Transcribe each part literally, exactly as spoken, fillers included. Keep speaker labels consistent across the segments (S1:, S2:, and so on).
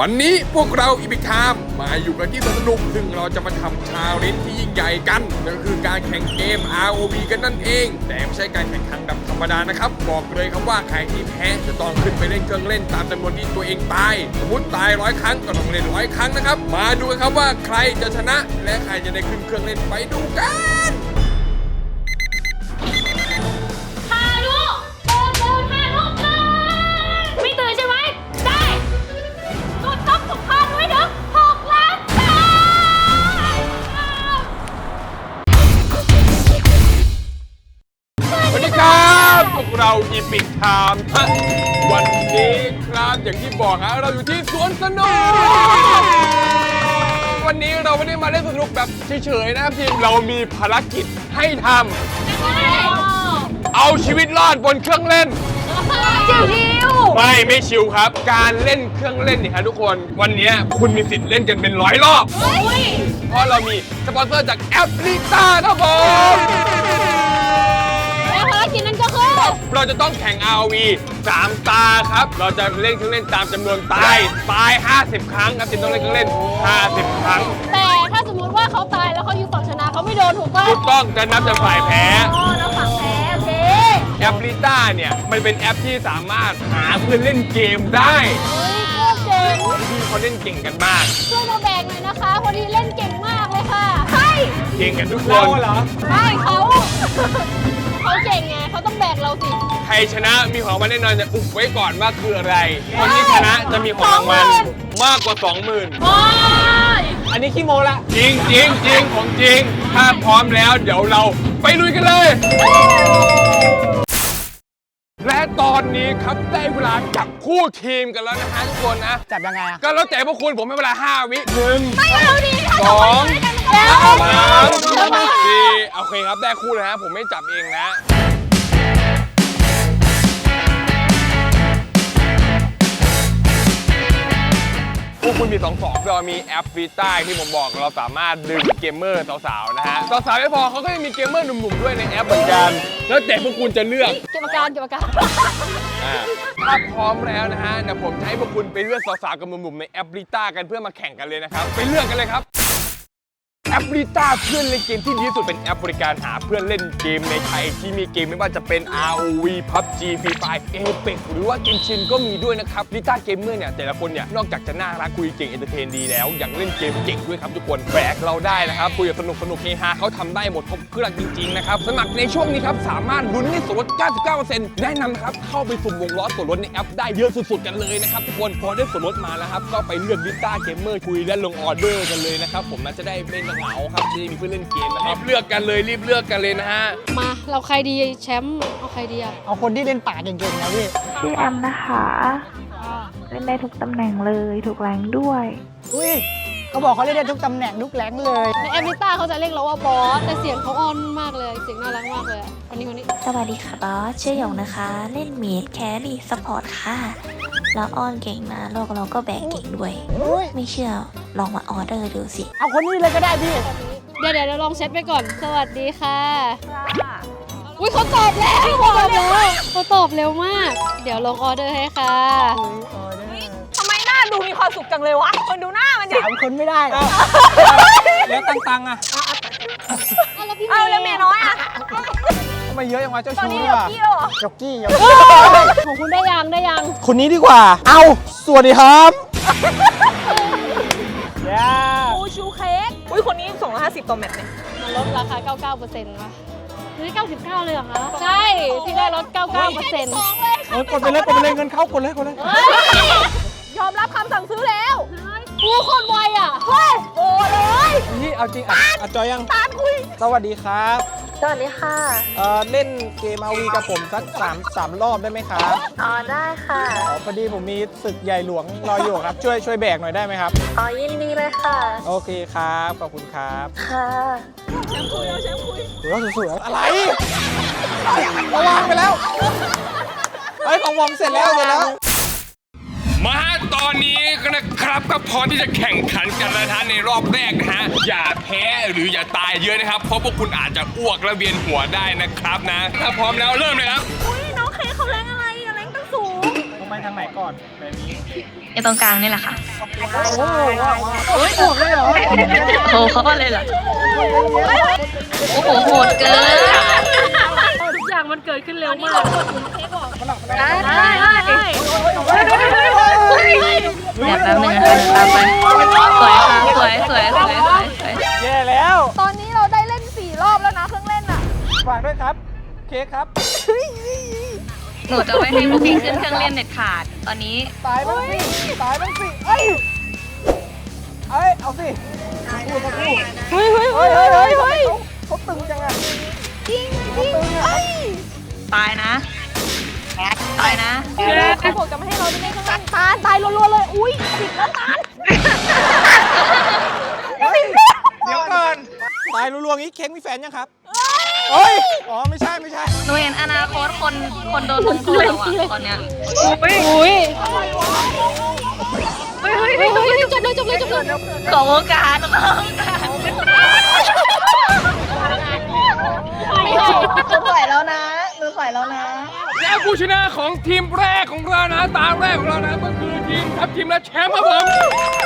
S1: วันนี้พวกเราอีพิกไทม์มาอยู่กันที่สวนสนุกซึ่งเราจะมาทำชาเลนจ์ที่ยิ่งใหญ่กันนั่นก็คือการแข่งเกม อาร์ โอ วี กันนั่นเองแต่ไม่ใช่การแข่งขันแบบธรรมดานะครับบอกเลยครับว่าใครที่แพ้จะต้องขึ้นไปเล่นเครื่องเล่นตามจำนวนที่ตัวเองตายสมมติตายร้อยครั้งก็ต้องเล่นร้อยครั้งนะครับมาดูกันครับว่าใครจะชนะและใครจะได้ขึ้นเครื่องเล่นไปดูกันเราอีพิกไทม์วันนี้ครับอย่างที่บอกฮะเราอยู่ที่สวนสนุกวันนี้เราไม่ได้มาเล่นสนุกแบบเฉยๆนะครับทีมเรามีภารกิจให้ทำเอาชีวิตรอดบนเครื่องเล่นชิวๆไม่ไม่ชิวครับการเล่นเครื่องเล่นเนี่ยครับทุกคนวันนี้คุณมีสิทธิ์เล่นกันเป็นร้อยรอบเพราะเรามีสปอนเซอร์จากแอปลิต้าครับผม
S2: ภารกิจนั้นก็คือ
S1: เราจะต้องแข่ง อาร์ โอ วี สามตาครับเราจะเล่นเครื่องเล่นตามจำนวนตายตายห้าสิบครั้งครับทีมต้องเล่นเครื่องเล่นห้าสิบครั้ง
S2: แต่ถ้าสมมุติว่าเขาตายแล้วเขาอยู่ฝั่งชนะเขาไม่โดนถูกป่ะ
S1: ถูกต้องจะนับจากฝ่ายแพ้
S2: อ๋อแล้วฝั่งแพ้โอเค
S1: แอปลิต้าเนี่ยมันเป็นแอปที่สามารถหาเพื่อนเล่นเกมได้
S2: เฮ้ยโคตรเจ๋ง
S1: ที่เขาเล่นเก่งกันมาก
S2: ช่วยมาแบ่งหน่อยนะคะพอดีเล่นเก่งมากเลยค่ะใช่
S1: เก่งกันทุกคน
S3: เหรอ
S2: ใช่เขาเขาเก่งไงเขาต้องแบกเราสิ
S1: ใครชนะมีของรางวัลแน่นอนจะอุบไว้ก่อนว่าคืออะไรคนที่ชนะจะมีของรางวัลมากกว่า สองหมื่น
S2: โอ้ย
S3: อันนี้ขี้โมละ
S1: จริงจริงจริงของจริงถ้าพร้อมแล้วเดี๋ยวเราไปลุยกันเลยและตอนนี้ครับได้เวลาจับคู่ทีมกันแล้วนะฮะทุกคนนะ
S3: จับยังไงอ่ะ
S1: ก็แล้วแต่พวกคุณผมให้เวลาห้าวิหนึ่ง
S2: ไม่เอาดิ
S1: สองสามสี่โอเคครับได้คู่เลยฮะผมไม่จับเองนะพวกคุณมีสองสองเรามีแอปฟีต้าที่ผมบอกเราสามารถดึงเกมเมอร์สาวๆนะฮะสาวๆไม่พอเขาก็ยังมีเกมเมอร์หนุ่มๆด้วยในแอปเหมือนกันแล้วแต่พวกคุณจะเลือก
S2: เก็บอาการเก็บอาการ
S1: ถ้าพร้อมแล้วนะฮะเดี๋ยวผมจะให้พวกคุณไปเลือกสาวๆกับหนุ่มๆในแอปฟีต้ากันเพื่อมาแข่งกันเลยนะครับไปเลือกกันเลยครับแอปลิต้าเพื่อนเล่นเกมที่ดีที่สุดเป็นแอปบริการหาเพื่อนเล่นเกมในไทยที่มีเกมไม่ว่าจะเป็น อาร์ โอ วี พับจี Free Fire Apex หรือว่าเกมชินก็มีด้วยนะครับลิต้าเกมเมอร์เนี่ยแต่ละคนเนี่ยนอกจากจะน่ารักคุยเก่งเอนเตอร์เทนดีแล้วยังเล่นเกมเก่งด้วยครับทุกคนแบกเราได้นะครับคุยสนุกสนุกเฮฮาเขาทำได้หมดครบเครื่องจริงๆนะครับสมัครในช่วงนี้ครับสามารถลุ้นได้ส่วนลด เก้าสิบเก้าเปอร์เซ็นต์ แนะนำครับเข้าไปสุ่มวงล้อส่วนลดในแอปได้เยอะสุดๆกันเลยนะครับทุกคนพอได้ส่วนลดมาแล้วครับก็ไปเลือกลิต้าเกมเมอร์คุยและลงออเดอร์กันเลยนะครับผมน่าจะได้ไม่เหงาครับมีเพื่อนเล่นเกมนะครับรีบเลือกกันเลยรีบเลือกกันเลยนะฮะ
S2: มาเราใครดีแชมป์เอาใครดีอะ
S3: เอาคนที่เล่นป่าเก่งๆนะพี่
S4: ชื่อแอมนะคะเล่นได้ทุกตำแหน่งเลยทุกแรงด้วย
S3: อุ้ยเขาบอกเขาเล่นได้ทุกตำแหน่งทุกแรงเลย
S2: ในแอมลิต้าเขาจะเรียกเราว่าบอสแต่เสียงเขาอ่อนมากเลยเสียงน่ารักมากเลยคนนี้คนนี้
S4: สวัสดีค่ะบอสชื่อหยงนะคะเล่นเมดแครี่ซัพพอร์ตค่ะแล้วอ้อนเก่งนะโลกเราก็แบกเก่งด้วยไม่เชื่อลองมาออเดอร์ดูสิ
S3: เอาคนนี้เลยก็ได้พี่
S2: เดี๋ยวเดี๋ยวลองเช็ดไปก่อนสวัสดีค่ะอุ้ยเขาตอบแล้วเขาตอบแล้วเขาตอบเร็วมากเดี๋ยวลงออเดอร์ให้ค่ะ
S5: ทำไมหน้าดูมีความสุขจังเลยวะคนดูหน้ามันดิ
S3: สามคนไม่ได้แล้วตังตังอ่ะ
S5: เอาแล้วเมียน้อยอ่ะ
S3: ทำไมเยอะอย่างวะเจ้าชู้
S5: อ่ะ
S3: จ็อกกี้
S2: ของคุณได้ยังได้ยัง
S3: คนนี้ดีกว่าเอาสวัสดีครับ
S5: อูชูเค้กอุ้ยคนนี้สองร้อยห้าสิบต่อแมตช์เนี่ย
S2: มันลดราคา เก้าสิบเก้าเปอร์เซ็นต์ ป่ะนี่เก้าสิบเก้าเลยเหรอคะใช่ที่ได้ลด เก้าสิบเก้าเปอร์เซ็นต์
S3: กดไปเลยกดไปเลยเงินเข้ากดเลยกดเลย
S5: ยอมรับคำสั่งซื้อแล้ว
S2: ผู้คนไวอ่ะ
S5: เฮ้ยโอ้เลย
S3: นี่เอาจริงอ่ะอ่ะจอยยัง
S5: ตามคุย
S3: สวัสดีครับ
S4: สวัสดีค่ะ
S3: เอ่อเล่นเกม อาร์ โอ วี กับผมสักสามสามรอบได้ไหมครับ
S4: อ๋อได้ค่ะ
S3: อ๋อพอดีผมมีศึกใหญ่หลวงรออยู่ครับช่วยช่วยแบกหน่อยได้ไหมครับ
S4: อ๋อยินดีเลยค่ะ
S3: โอเคครับขอบคุณครับ
S4: ค่ะ
S5: แชมป์คุยเอาแชมป์คุย
S3: หัวสุดๆอะไรระวังไปแล้วเฮ้ยของผมเสร็จแล้วเสร็จแล้ว
S1: มาตอนนี้ก็นะครับก็พร้อมที่จะแข่งขันกันแล้วนะในรอบแรกนะฮะอย่าแพ้หรืออย่าตายเยอะนะครับเพราะพวกคุณอาจจะอ้วกและเวียนหัวได้นะครับนะถ้าพร้อมแล้วเริ่มเลยครับ
S5: อุ้ยน้องเคเขาแรงอะไรอะแรงตั้งสูง
S3: ทำไมไปทางไหนก่อนแบบนี้
S4: ไอตรงกลางนี่แหละค่ะ
S3: โอ้โหบวกเลยเหรอ
S4: โอ้เขาเลยเหรอ โอ้โหโหดเกิน
S2: ทุกอย่างมันเกิดขึ้นเร็วมาก
S5: ได้ได้ได้
S4: เดี๋ยวแป๊บนึงนะคะตามไป สวยค่ะ สวย สวย สวย สวย สวย
S3: แย่แล้ว
S5: ตอนนี้เราได้เล่นสี่รอบแล้วนะเครื่องเล่นอ่ะ
S3: ฝากด้วยครับ เค้กครับ
S4: หนูจะไม่ให้พวกพี่ขึ้นเครื่องเล่นเด็ดขาด ตอนนี้
S3: ตายบ้างสิตายบ้างสิเอ้ยเอ้ย เอาสิพูดมาพูด
S5: เฮ้ยเฮ้ย
S3: เฮ้
S5: เฮ้
S3: ย
S5: ย
S3: เฮ้ย
S5: เฮ้
S3: เฮ้
S5: ย
S3: ย
S5: เฮ้ย
S3: เขาตึงจังอะ
S5: จริงจริงเอ้ย
S4: ตายนะ ตายนะ
S5: เขาบอกจะไม่ให้เราได้เล่นเครื่องเล่นตาลตายรัวๆเลย อุ้ยสิบแล้วตาล
S3: เฮ้ยเดี๋ยวก่อน ตายรัวๆงี้เค้กมีแฟนยังครับเฮ้ย อ๋อ ไม่ใช่ ไม่ใช่
S4: หนูเห็นอนาคตคน คนโดนลงโทษแล้วอะตอนเนี้ย
S2: อุ้ยเฮ้ยเฮ้ยเฮ้ยเฮ้ยจบเลยจบเลยจบเลย
S4: ขอโอกาสขอโอกาส
S5: หนูถอยแล้วนะหนูถอยแล้วนะ
S1: และผู้ชนะของทีมแรกของเรานะตาแรกของเรานะก็คือทีมทัพทีมและแชมป์ครับผม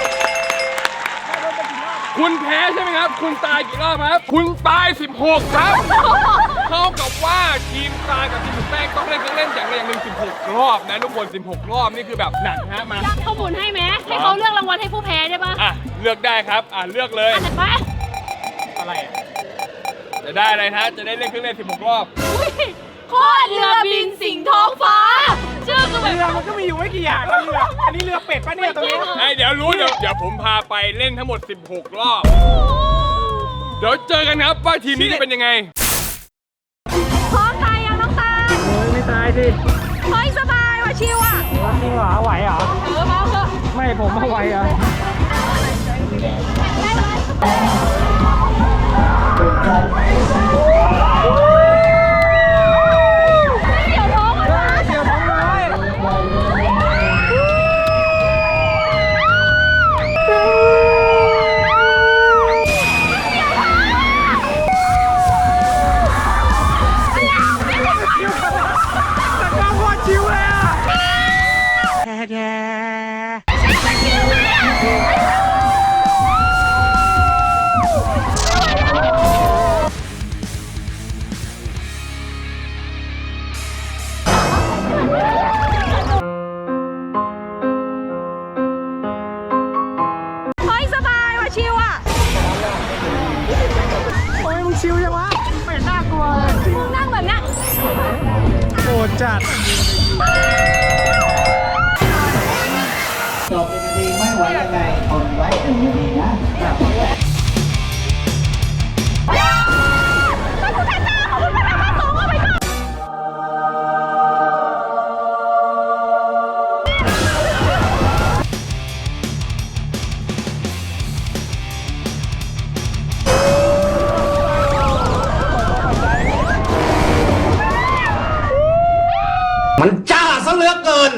S1: คุณแพ้ใช่ไหมครับ คุณตายกี่รอบครับ คุณตายสิบหกครับเท่ากับว่าทีมตายกับทีมแป้งต้องเล่นเครื่องเล่นอย่างไรอย่างหนึ่งสิบหกรอบนะทุกคนสิบหกรอบนี่คือแบบหนักฮะมา
S2: เขาหมุนให้ไหมให้เขาเลือกรางวัลให้ผู้แพ้ได้ปะ
S1: อ่ะเลือกได้ครับอ่ะเลือกเลย
S2: อันไหนปะ
S3: อะไรอะ
S1: จะได้อะไรฮะจะได้เล่นเครื่องเล่นสิบหกรอบ
S2: อุ้ยโคตรเรือบินสิงห์ท้องฟ้าชื่อคือแบบ
S3: เรือมันก็มีอยู่ไม่กี่อย่างนะเรือ อันนี้เรือเป็ดปะเนี่ยตรงนี้
S1: ไอ้เดี๋ยวรู้เดี๋ยวเดี๋ยวผมพาไปเล่นทั้งหมดสิบหกรอบ เดี๋ยวเจอกันครับว่าทีมนี้จะเป็นยังไง
S5: พร้อมตายยังน้องตาล
S3: โอ้ยไม่ตายสิ
S5: เฮ้ยสบายว่ะชิวอ่ะ
S3: จริงเหรอไหวเหรอ
S5: เออมาเถอะ
S3: ไม่ผมไม่ไหวเหรอ
S5: เดี๋ยวท้องมันนะ
S3: เดี๋ยวท้องน้อย
S5: เฮ้ยสบายว่ะชิวอ่ะ
S3: โอ้ยมึงชิวจังวะไม่น่ากลัวเลย
S5: มึงนั่งแบบเนี้ย
S3: โหดจัด
S6: จบเป็นนาทีไม่ไหวยังไงทนไว้หนึ่งนาทีนะมันจ้าซะเหลือเกิน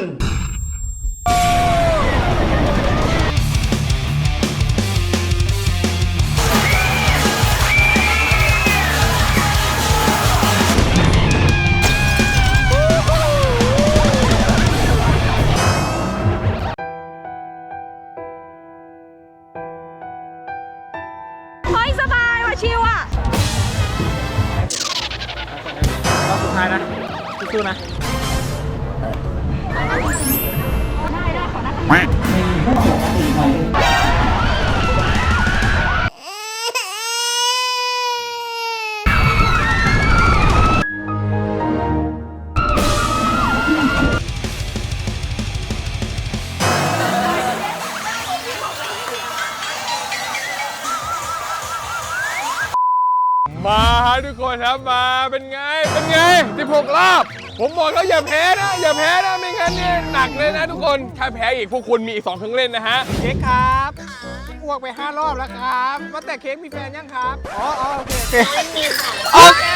S5: เฮ้ยสบายว่ะชิวอ่ะ
S3: รอบสุดท้ายนะสู้ๆนะ
S1: มาฮะทุกคนครับมาเป็นไงเป็นไงสิบหกรอบ ผมบอกแล้วอย่าแพ้นะ อย่าแพ้นะไม่งั้นเนี่ยหนักเลยนะทุกคนถ้าแพ้อีกพวกคุณมีอีกสองเครื่องเล่นนะฮะ
S3: เค้กครับอ้วกไปห้ารอบแล้วครับว่าแต่เค้กมีแฟนยังครับ อ๋ออ๋อโอเคโอเคโอเค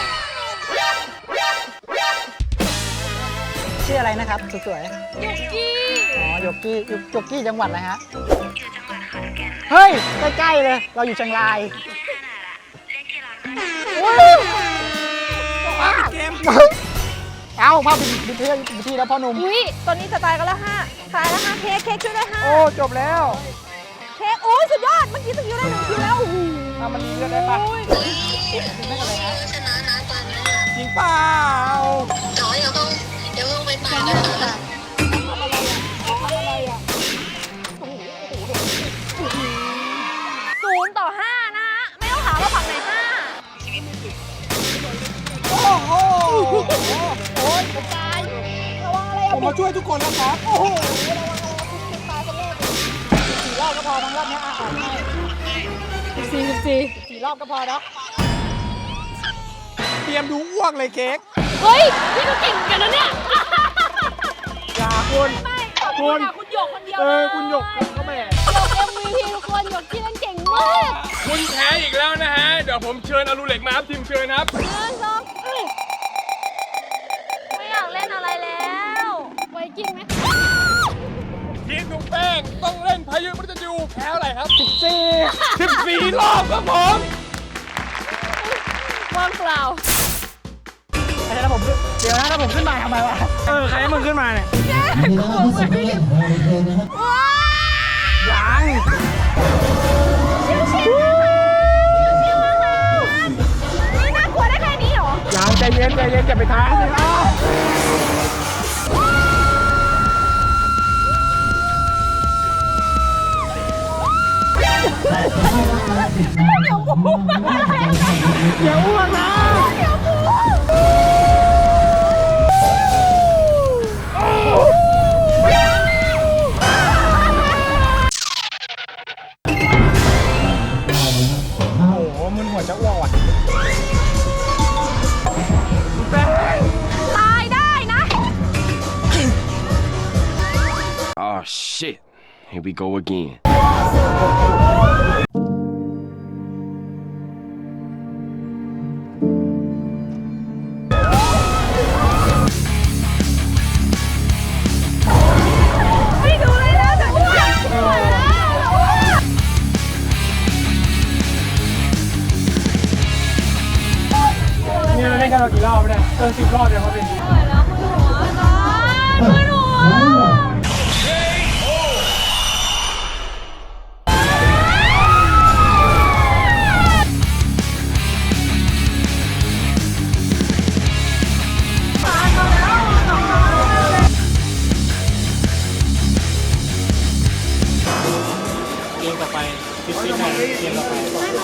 S3: ชื่ออะไรนะครับสวยๆ
S5: ยุกกี้
S3: อ๋อโยกกี้โยยกกี้จังหวัดอะไรฮะอยู่จังหวัดขอนแก่นเฮ้ย ใกล้ ๆ เลย เราอยู่เชียงรายเล่นกีฬาเกมเอ้าภาพบินบินเที่ยวบินที่แล้วพ่อหนุ่ม
S5: อุ้ยตอนนี้จะตายกันแล้วฮะตายแล้วฮะเค้กเค้กช่วยด้วยฮะ
S3: โอ้จบแล้ว
S5: เค้กโอ้ยสุดยอดเมื่อกี้สกิลได้หนึ่งคิวแล้วโอ้โห
S3: อ่ะมันมีเลือดได้ปะ
S5: โอ้ย
S3: ได้อะไรนะจริงเปล่า
S5: ศูนย์ต่อห้านะฮะไม่ต้องถามว่าฝั่งไหนห้า
S3: โอ้โหโอ้ยผมตาย
S5: ระวังอะไร
S3: ผ
S5: อ่ะ
S3: มมาช่วยทุกคนแล้วครับ โอ้โหระวังระวังคุณเป็นตายกันแน่สี่รอบก็พอทั้งรอบนี้อ่ะอ่านให้
S2: สิบสี่สิบสี่
S3: สี่รอบก็พอนะเตรียมดูอ้วกเลยเค้ก
S2: เฮ้ย พี่ก็เก่งเหมือนกันนะเนี่ย
S3: อย่าคุณ
S5: ไม่ขอบคุณอ่ะคุณหยกคนเดียว
S3: เอ
S5: เล
S3: อย คุณหยกคุณก็แม่
S2: หยก เอ็ม วี พี ทุกคนหยกที่เล่นเก่งมาก
S1: คุณแพ้อีกแล้วนะฮะ เดี๋ยวผมเชิญอลูเหล็กมาครับทีมเชิญครับ
S2: หนึ่งสองเอ้ย
S5: ไม่อยากเล่นอะไรแล้ว
S2: ไวกิ้งไหม
S1: ทีมถุงแป้งต้องเล่นพายุมฤตยูแพ้อะไรครับ
S3: สิบสี่
S1: สิบสี่รอบครับผม
S2: ว่างเปล่า
S3: ไอ้ถ้าผมขึ้นเดี๋ยวนะถ้าผมขึ้นมาทำไมวะ เออ ใครให้มึงขึ้นมาเนี่ย ยัง
S5: นี่น่ากลัวได้แค่นี้เหรอ
S3: ยังใจเย็นใจเย็นอย่าไปท้าสิอ้าว อย่าอ้วกนะโอ้โหมึนหัวจะอ้วกว่ะ
S5: ตายได้นะ
S1: Oh shit here we go again
S5: ไม่ดูเลยนะจะอ้วกไม่ไหวแล้วจะอ้วก
S3: นี่เราเล่นกันมากี่รอบเนี่ยเออสิบรอบเดี๋ยวเขาเป็น
S5: ไม่ไหวแล้วมือหัวตายมือหัว
S3: เกมต่อไปสิบปีไหนเกมต่อไป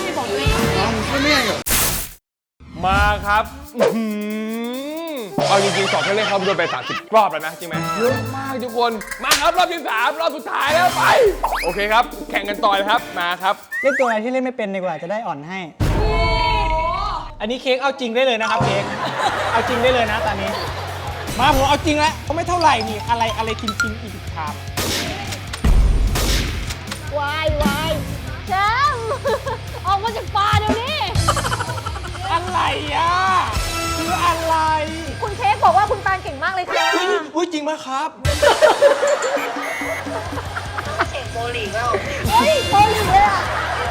S1: มาครับอื้อหือเอาจริงๆสอบเพื่อนเล่นเขาโดนไปสามสิบรอบแล้วนะจริงไหมเยอะมากทุกคน มาครับรอบที่สามรอบสุดท้ายแล้วไป โอเคครับ แข่งกันต่อเลยครับ มาครับ
S3: เล่นตัวอะไรที่เล่นไม่เป็นดีกว่าจะได้อ่อนให้ อันนี้เค้กเอาจริงได้เลยนะครับเค้ก เอาจริงได้เลยนะตอนนี้ มาผมเอาจริงแล้วเขาไม่เท่าไหร่นี่อะไรอะไรกินกินอีกชาม
S2: วายวายแชมป์ออกมาจากป่าเดี๋ยวนี้
S3: อะไรอ่ะคืออะไร
S5: คุณเค้กบอกว่าคุณตาลเก่งมากเลยค่ะ
S3: อุ้ยอุ้ยจริงไหมครับ
S5: เฮ้ยโคลีเลยอ่ะ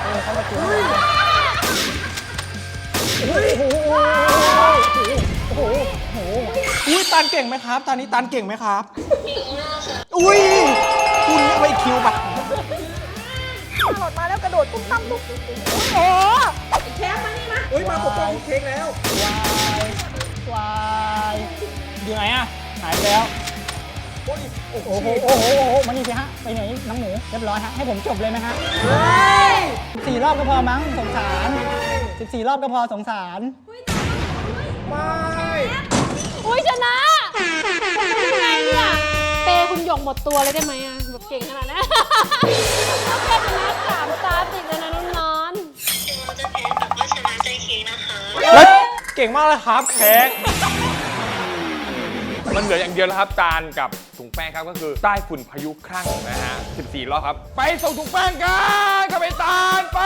S3: อุ้ยตันเก่งไหมครับ ตอนนี้ตันเก่งไหมครับอุ้ยคุณนี่ไปคิวปะ
S5: หลดมาแล้วกระโดดตุ้มตั้มตุ้มโอ้โหแชมป์มานี่มา
S3: อุ้ยมาปกป้องเค้กแล้ววายวายอยู่ไหนอะหายไปแล้วโอ้โหโอ้โหโอ้โหมานี่สิฮะไปไหนน้องหมูเรียบร้อยฮะให้ผมจบเลยไหมฮะสี่รอบก็พอมั้งสงสารสิบสี่รอบก็พอสงสารไม่
S2: อุ้ยชนะมันเป็นยังไงเนี่ย เปย์คุณหยกหมดตัวเลยได้ไหมอะแบบเก่งขนาดนั้น แค่ชนะสามตาติดเลยนะน้องนอน
S3: แล้วเก่งมากเลยครับเค้ก
S1: มันเหลืออย่างเดียวแล้วครับตาลกับถุงแป้งครับก็คือใต้ฝุ่นพายุครั่งนะฮะสิบสี่รอบครับ ไปส่งถุงแป้งกันกับไปตาลไป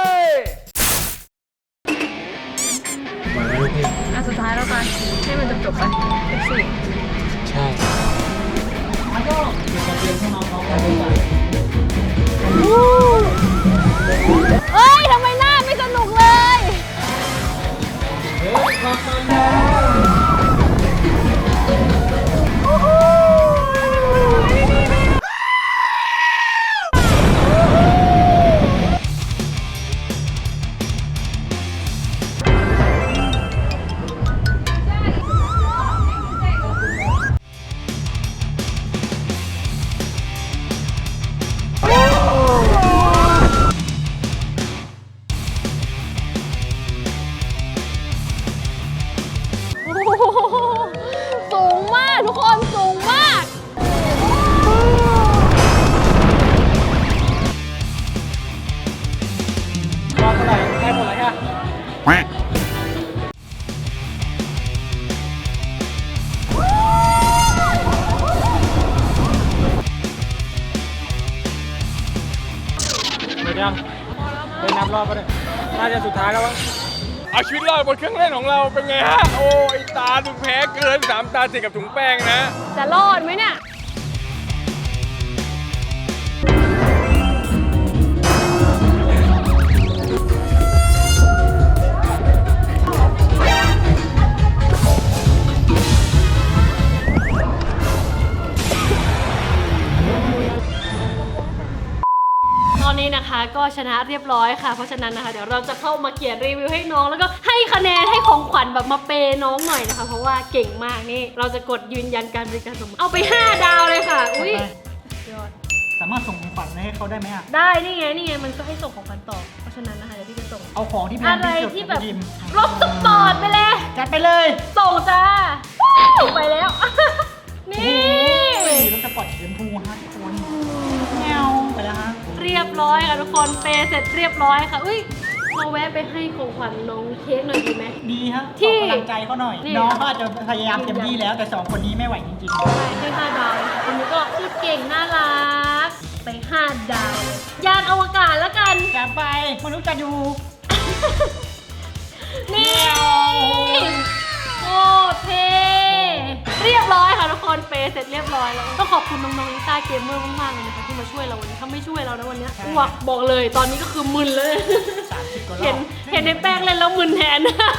S5: อ่ะสุดท้ายแล้วกันให้มันจบจบๆไปสี่
S3: ใช่แล้วก็เดี๋ยวจะเรียนให้น้องๆกันด้วย
S2: เอ้ยทำไมหน้าไม่สนุกเลย
S3: เฮ้ยดยังไปนับรอบก็ได้น่าจะสุดท้ายแล้วมั้ง
S1: เอาชีวิตรอดบนเครื่องเล่นของเราเป็นไงฮะ โอ้ยตาถึงแพ้เกินสามตาติดกับถุงแป้งนะ
S2: จะรอดไหมเนี่ย ตอนนี้นะคะก็ชนะเรียบร้อยค่ะ เพราะฉะนั้นนะคะเดี๋ยวเราจะเข้ามาเขียนรีวิวให้น้องแล้วก็ให้คะแนนให้ของขวัญแบบมาเปย์น้องหน่อยนะคะ เพราะว่าเก่งมากนี่เราจะกดยืนยันการบริการสมมติเอาไปห้าดาวเลยค่ะอุ้ยยอด
S3: สามารถส่งของขวัญให้เขาได้ไหมอ่ะ
S2: ได้นี่ไงนี่ไงมันก็ให้ส่งของขวัญต่อเพราะฉะนั้นนะคะเดี๋ยวพี่จะส่ง
S3: เอาของที่แพง
S2: อะไร
S3: ที่สุด
S2: ที่แบบ
S3: ไปดิม
S2: รถสปอร์ตไปเลย
S3: จัดไปเลย
S2: ส่งจ้าไปแล้ว นี่
S3: รถสปอร์ตสีชมพูฮะทุกคนแนวไปแล้วฮะ
S2: เรียบร้อยค่ะทุกคนเปย์เสร็จเรียบร้อยค่ะอุ้ยเราแวะไปให้ของขวัญน้องเค้กหน่อยดีไหม
S3: ดีฮะ
S2: ที่
S3: ขอกำลังใจเขาหน่อย
S2: นี่
S3: น้องเขาอาจจะพยายามเต็มที่แล้วแต่สองคนนี้ไม่ไหวจริง
S2: ใช่ให้ห้าดาวเลยค่ะคนนี้ก็พูดเก่งน่ารักไปห้าดาวเลยยานอวกาศแล้วกัน
S3: ๆจัดไปมนุษย์จะอยู่
S2: นี่โอ้เท่เรียบร้อยค่ะทุกคนเปย์เสร็จเรียบร้อยแล้วต้องขอบคุณน้องๆลิต้าเกมเมอร์มากๆเลยนะคะที่มาช่วยเราวันนี้ถ้าไม่ช่วยเรานะวันนี้อ้วกบอกเลยตอนนี้ก็คือมึนเลย
S3: สามสิบกว่ารอบ
S2: เห็นเห็นในแป้งเล่นแล้วมึนแทน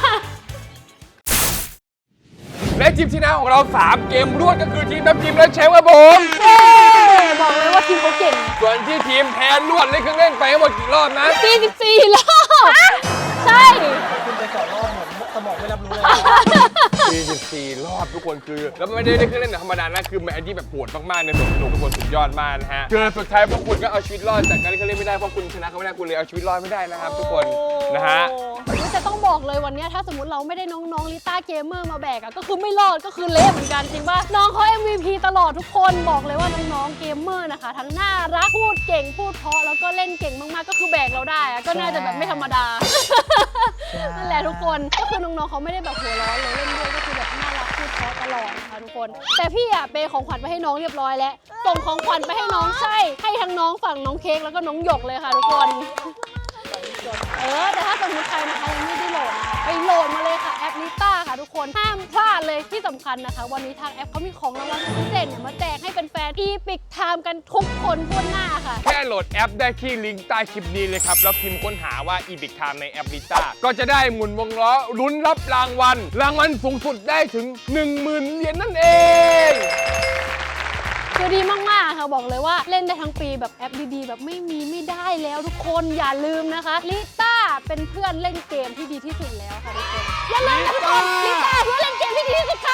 S1: และทีมชนะของเราสามเกมรวดก็คือทีมน้ำจิ้มและเชฟครับผม
S2: บอกเลยว่าทีมเขาเก่ง
S1: ส่วนที่ทีมแพ้รวดเล่นเครื่องเล่นไปทั้งหมดกี่รอบนะ
S2: สี่สิบสี่รอบใช่
S3: คุณไปสองรอบผมสมองไม่รับรู้เลย
S1: สี่สิบสี่รอบทุกคนคือ แล้วไม่ได้เล่นเครื่องเล่นแบบธรรมดานะคือแมตช์ที่แบบโหดมากๆในสนุกทุกคนสุดยอดมากนะฮะคือสุดท้ายพวกคุณก็เอาชีวิตรอดจากการเล่นเครื่องเล่นไม่ได้เพราะคุณชนะเขาไม่ได้คุณเลยเอาชีวิตรอดไม่ได้นะครับทุกคนนะฮะ
S2: จะต้องบอกเลยวันนี้ถ้าสมมติเราไม่ได้น้องๆลิต้าเกมเมอร์มาแบกอะก็คือไม่รอดก็คือเละเหมือนกันจริงป่ะน้องเขา เอ็ม วี พี ตลอดทุกคนบอกเลยว่าน้องๆเกมเมอร์นะคะทั้งน่ารักพูดเก่งพูดเพราะแล้วก็เล่นเก่งมากๆก็คือแบกเราได้อะก็น่าจะแบบไม่ธรรมดานั่นแหละทุกคนก็คือน้องๆเขาไม่ได้แบบหัวร้อนเลยเล่นด้วยก็คือแบบน่ารักพูดเพราะตลอดนะคะทุกคนแต่พี่อะเปย์ของขวัญไปให้น้องเรียบร้อยแล้วส่งของขวัญไปให้น้องใช่ให้ทั้งน้องฝั่งน้องเค้กแล้วก็น้องหยกเลยค่ะทุกคนเออแต่ถ้าสมมติใครนะคะยังไม่ได้โหลดนะคะไปโหลดมาเลยค่ะแอปลิต้าค่ะทุกคนห้ามพลาดเลยที่สำคัญนะคะ วันนี้ทางแอปเขามีของรางวัลพิเศษเนี่ยมาแจกให้เป็นแฟนอีพิกไทม์กันทุกคนทั่วหน้าค่ะ
S1: แค่โหลดแอปได้ที่ลิงก์ใต้คลิปนี้เลยครับ แล้วพิมพ์ค้นหาว่า อี พิก Time ในแอปลิต้าก็จะได้หมุนวงล้อลุ้นรับรางวัล รางวัลสูงสุดได้ถึง หนึ่งหมื่น เหรียญนั่นเอง
S2: คือดีมากๆค่ะบอกเลยว่าเล่นได้ทั้งปีแบบแอปดีๆแบบไม่มีไม่ได้แล้วทุกคนอย่าลืมนะคะลิต้าเป็นเพื่อนเล่นเกมที่ดีที่สุดแล้วค่ะทุกคนอย่าลืมนะทุกคนลิต้าเพื่อนเล่นเกมที่ดีที่สุดค่ะ